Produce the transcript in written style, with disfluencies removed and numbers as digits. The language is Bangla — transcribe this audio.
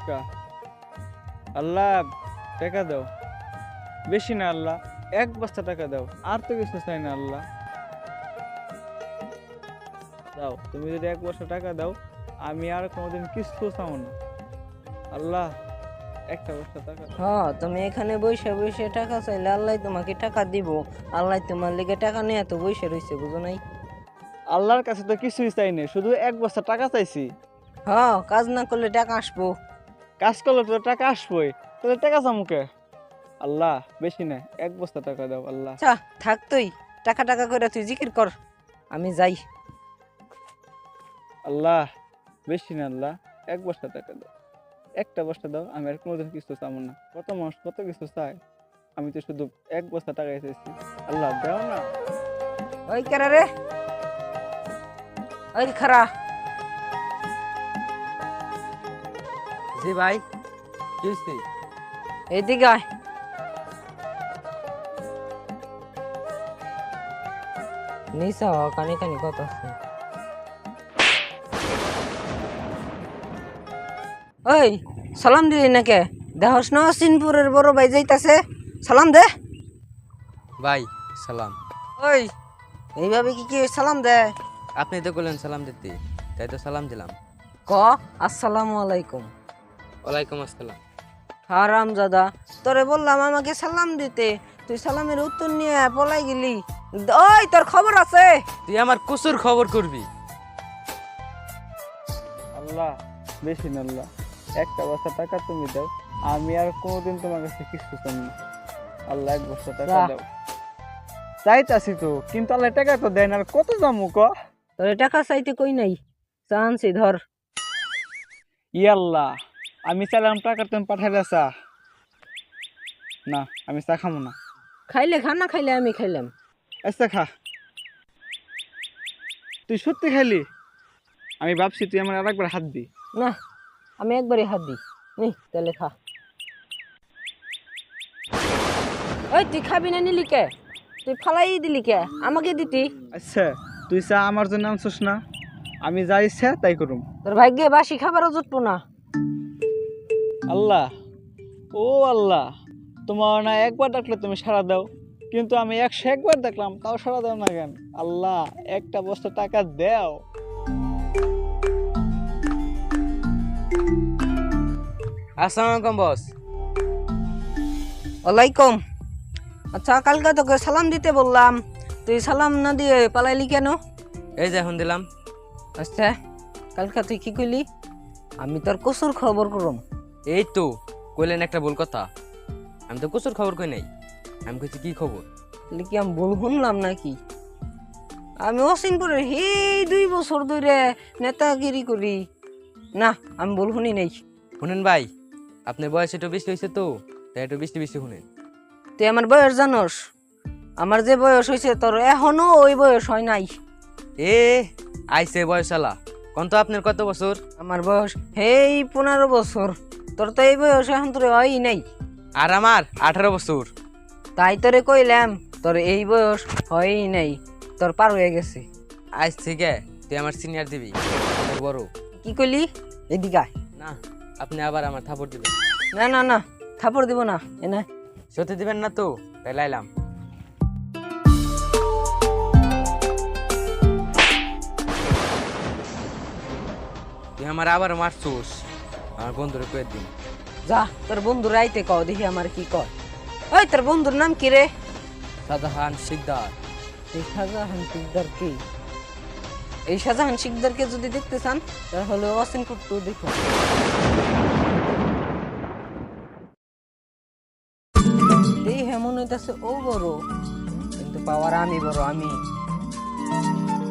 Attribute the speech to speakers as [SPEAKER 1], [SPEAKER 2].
[SPEAKER 1] টাকা। আল্লাহ টাকা দাও, বেশি না আল্লাহ, 1 বস্তা টাকা দাও, আর তো কিছু চাই না আল্লাহ। দাও, তুমি যদি 1 বস্তা টাকা দাও, আমি আর কোনোদিন কিছু চাও না আল্লাহ। 1 বস্তা টাকা দাও।
[SPEAKER 2] তুমি এখানে বসে বসে টাকা চাইলে আল্লাহ তোমাকে টাকা দিব। আল্লাহ তোমার লেগে টাকা নিয়ে এত বসে রয়েছে, বুঝো নাই?
[SPEAKER 1] আল্লাহর কাছে তো কিছুই চাই না, শুধু 1 বস্তা টাকা চাইছি।
[SPEAKER 2] কাজ না করলে টাকা আসবো।
[SPEAKER 1] কাজ করলে তো টাকা আসবোই, তাহলে টাকা চামুকে। আল্লাহ বেশি না, 1 বস্তা টাকা দাও আল্লাহ।
[SPEAKER 2] আচ্ছা থাক, তুই টাকা টাকা করে তুই জিকির কর, আমি যাই।
[SPEAKER 1] আল্লাহ বেশি না আল্লাহ, 1 বস্তা টাকা দাও, 1টা বস্তা দাও, আমি আর কোনোদিন কিছু চাবো না। কত মানুষ কত কিছু চায়, আমি তো শুধু 1 বস্তা টাকা চাইছি। আল্লাহ দাও না।
[SPEAKER 2] ওই কেরা রে, ওই খারা।
[SPEAKER 3] জি ভাই, কি হয়েছে?
[SPEAKER 2] এইদিকে আয়। নিসা কানি কানি কত আছে? ওই সালাম দিলি নাকি? দেহস না সিনপুরের বড় ভাই যাইতাছে, সালাম দে।
[SPEAKER 3] ভাই সালাম।
[SPEAKER 2] ওই এইভাবে কি সালাম দে?
[SPEAKER 3] আপনি তো বললেন সালাম দিতে, তাই তো সালাম দিলাম।
[SPEAKER 2] ক আসসালামু আলাইকুম।
[SPEAKER 3] ওয়ালাইকুম আসসালাম।
[SPEAKER 2] হারাম দাদা, তোরে বললাম আমাকে সালাম দিতে, তুই সালামের উত্তর নিয়ে পলাই গেলি। ওই তোর খবর আছে?
[SPEAKER 3] তুই আমার কুসুর খবর করবি?
[SPEAKER 1] আল্লাহ বেশি না আল্লাহ, 1টা বস্তা টাকা তুমি দাও, আমি আর কোনোদিন তোমার কাছে কিছু চাই না আল্লাহ। 1 বস্তা টাকা
[SPEAKER 2] যা।
[SPEAKER 1] দাও। চাইতাছি তো, কিন্তু আল্লাহ টাকা তো দেন, আর কত জামু ক।
[SPEAKER 2] তোরে টাকা চাইতে কই নাই, চান্সি ধর।
[SPEAKER 1] ইয়াল্লাহ, আমি চাইলাম টাকা তুমি পাঠাইলে চা। না, আমি চা খামো না।
[SPEAKER 2] খাইলে খা, না খাইলে আমি খাইলাম।
[SPEAKER 1] আচ্ছা খা। তুই সত্যি খাইলি? আমি ভাবছি তুই আমার আরেকবার হাত দি।
[SPEAKER 2] না, আমি একবারই হাত দিই। নি তাহলে খা। ওই তুই খাবি না, নিলি কে? তুই ফালাই দিলি কে? আমাকে দিতি।
[SPEAKER 1] আচ্ছা, তুই চা আমার জন্য আনছিস না, আমি যা ইচ্ছা তাই করুম।
[SPEAKER 2] তোর ভাগ্যে বাসি খাবারও জুটবো না।
[SPEAKER 1] আল্লাহ, ও আল্লাহ, তোমার না একবার ডাকলে তুমি সাড়া দাও, কিন্তু আমি 101বার দেখলাম তাও সাড়া দাও না কেন? আল্লাহ 1টা বস্তা টাকা দাও।
[SPEAKER 3] আসসালামু আলাইকুম বস।
[SPEAKER 2] ওয়ালাইকুম। আচ্ছা, কালকে তোকে সালাম দিতে বললাম, তুই সালাম না দিয়ে পালাইলি কেন?
[SPEAKER 3] এই যে এখন দিলাম।
[SPEAKER 2] আচ্ছা, কালকে তুই কি কইলি? আমি তোর কসুর খবর করম।
[SPEAKER 3] এই তো কইলেন একটা ভুল কথা, আমি তো কুসুর খবর কই নাই, আমি কইছি কি খবর।
[SPEAKER 2] তাহলে কি আমি ভুল শুনলাম নাকি? আমি অসিনপুরের এই 2 বছর ধরে নেতাগিরি করি। না, আমি ভুল শুনি নাই।
[SPEAKER 3] শুনেন ভাই, আপনার বয়স একটু বেশি হয়েছে তো, তাই একটু বেশি বেশি শুনেন।
[SPEAKER 2] তুই আমার বয়স জানোস? আমার যে বয়স হয়েছে তোর এখনো ওই বয়স হয় নাই।
[SPEAKER 3] এ আইসে বয়সালা, কোন তো আপনার কত বছর?
[SPEAKER 2] আমার বয়স 15 বছর, তোর তো এই বয়স এখন তোর হয় নাই।
[SPEAKER 3] আর আমার 18 বছর।
[SPEAKER 2] তাই তোরে কইলাম তোর এই বয়স হয় নাই, তোর পার হয়ে গেছে।
[SPEAKER 3] আজ থেকে তুই আমার সিনিয়র দিবি, আমার বড়।
[SPEAKER 2] কি কইলি? এদিকে আয়।
[SPEAKER 3] না, আপনি আবার আমার থাপড় দিবেন।
[SPEAKER 2] না না না, থাপড় দিব না। এনে
[SPEAKER 3] সত্যি দিবেন না তো? তাই লাইলাম। তুই আমার আবার মারছুস, আমার বন্ধুরে কয়ে দিন।
[SPEAKER 2] যা, তোর বন্ধুর আইতে কও দেখি আমার কি কয়। ওই তোর বন্ধুর নাম কি রে?
[SPEAKER 3] শাহজাহান শিকদার।
[SPEAKER 2] এই শাহজাহান শিকদার কি? এই শাহজাহান শিকদারকে যদি দেখতে চান তাহলে অসিনপুর তো দেখুন। এই হেমন হইতাছে ও বড়, কিন্তু পাওয়ার আমি বড়। আমি